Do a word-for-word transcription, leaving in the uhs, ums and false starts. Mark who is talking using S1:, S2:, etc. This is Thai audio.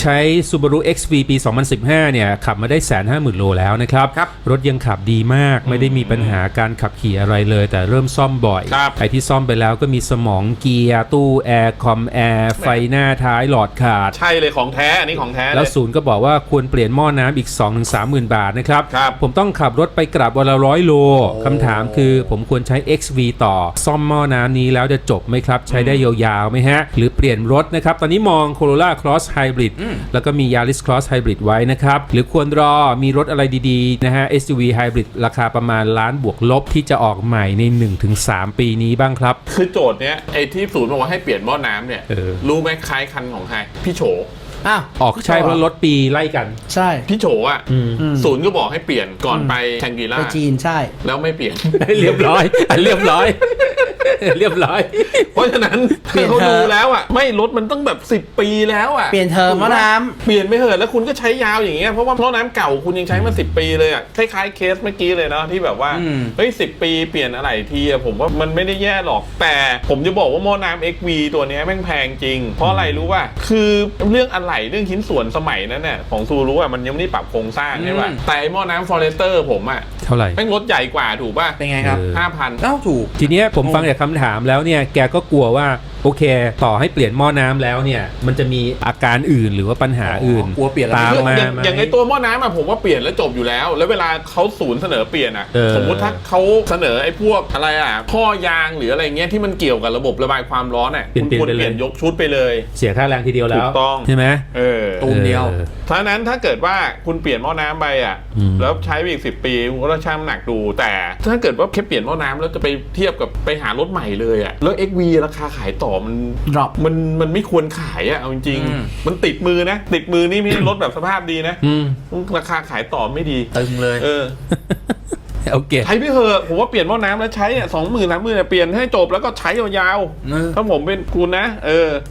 S1: ใช้ Subaru เอ็กซ์ วี ปี สองพันสิบห้า เนี่ยขับมาได้ หนึ่งแสนห้าหมื่น โลแล้วนะครับรบรถยังขับดีมากไม่ได้มีปัญหาการขับขี่อะไรเลยแต่เริ่มซ่อมบ่อยไอ้ที่ซ่อมไปแล้วก็มีสมองเกียร์ตู้แอร์คอมแอร์ไฟหน้าท้ายหลอดขาด
S2: ใช่เลยของแท้อันนี้ของแท้
S1: แล้วศูนย์ก็บอกว่าควรเปลี่ยนหม้อน้ำอีก สองถึงสามหมื่น บาทนะครับผมต้องขับรถไปกลับวันละร้อยโลคำถามคือผมควรใช้ เอ็กซ์ วี ต่อซ่อมหม้อน้ำนี้แล้วจะจบไหมครับใช้ได้ยาวๆไหมฮะหรือเปลี่ยนรถนะครับตอนนี้มอง Corolla Cross Hybrid แล้วก็มี Yaris Cross Hybrid ไว้นะครับหรือควรรอมีรถอะไรดีๆนะฮะ เอส ยู วี Hybrid ราคาประมาณล้านบวกลบที่จะออกใหม่ใน หนึ่งถึงสาม ปีนี้บ้างครับ
S2: คือโจทย์เนี้ยไอ้ที่ศูนย์บอกว่าให้เปลี่ยนหม้อน้ำเนี่ยรู้ไหมคล้ายคันของใครพี่โฉ
S1: อ้าวออกใช่เพราะรถปีไล่กัน
S3: ใช่
S2: พี่โฉอ่ะศูนย์ก็บอกให้เปลี่ยนก่อนไปแชงกีล่า
S3: ไปจีนใช่
S2: แล้วไม่เปลี่ยน
S1: เรียบร้อยเรียบร้อยเรียบร้อย
S2: เพราะฉะนั้นเขาดูแล้วอ่ะไม่รถมันต้องแบบสิบปีแล้วอ่ะ
S3: เปลี่ยนเทอมหม้อน้ำ
S2: เปลี่ยนไม่เหอะแล้วคุณก็ใช้ยาวอย่างเงี้ยเพราะว่าหม้อน้ำเก่าคุณยังใช้มาสิบปีเลยอ่ะคล้ายๆเคสเมื่อกี้เลยเนาะที่แบบว่าเฮ้ยสิบปีเปลี่ยนอะไรทีอ่ะผมว่ามันไม่ได้แย่หรอกแต่ผมจะบอกว่าหม้อน้ำ เอ็กซ์ วี ตัวนี้แม่งแพงจริงเพราะอะไรรู้ป่ะคือเรื่องอะไหล่เรื่องชิ้นส่วนสมัยนั้นเนี่ยของซูรุอ่ะมันยังไม่ได้ปรับโครงสร้างใช่ป่ะแต่หม้อน้ำ Forester ผมอ่ะ
S1: เท่าไหร่
S2: แม่งรถใหญ่กว่าถูกป่ะ
S3: เป็นไงครับ
S2: ห้าพัน
S3: เอ้าถูก
S1: ทีเนี้ยผมฟังจากคำถามแล้วเนี่ยแกก็กลัวว่าโอเคต่อให้เปลี่ยนหม้อน้ำแล้วเนี่ยมันจะมีอาการอื่นหรือว่าปัญหาอื่น
S3: กลัวเปลี่ยน
S1: ตามมา
S2: อย่างในตัวหม้อน้ำอะผมว่าเปลี่ยนแล้วจบอยู่แล้วแล้วเวลาเขาศูนย์เสนอเปลี่ยนอะสมมุติถ้าเขาเสนอไอ้พวกอะไรอะท่อยางหรืออะไรเงี้ยที่มันเกี่ยวกับระบบระบายความร้อนอะคุณควรเปลี่ยนยกชุดไปเลย
S1: เสียค่าแรงทีเดียวแล้ว
S2: ถูกต้อง
S1: ใช่ไหม
S2: เออ
S3: ตูมเดียว
S2: เพราะนั้นถ้าเกิดว่าคุณเปลี่ยนหม้อน้ำไปอะแล้วใช้ไปอีกสิบปีคุณก็ต้องชั่งน้ำหนักดูแต่ถ้าเกิดว่าแค่เปลี่ยนหม้อน้ำแล้วจะไปเทียบกับไปหารถใหม่เลยอะแล้ว เอ็กซ์ วี ราคาขายต่อมันมันมันไม่ควรขายอะเอาจริงๆมันติดมือนะติดมือนี่ไม่ใช่รถแบบสภาพดีนะราคาขายต่อไม่ดี
S3: ตึงเลย
S2: เออ
S1: โอเค
S2: ใช้ไม่เหอะผมว่าเปลี่ยนหม้อน้ำแล้วใช้อ่ะสองหมื่นสามหมื่นเปลี่ยนให้จบแล้วก็ใช้ยาวๆถ้าผมเป็นคุณนะเออ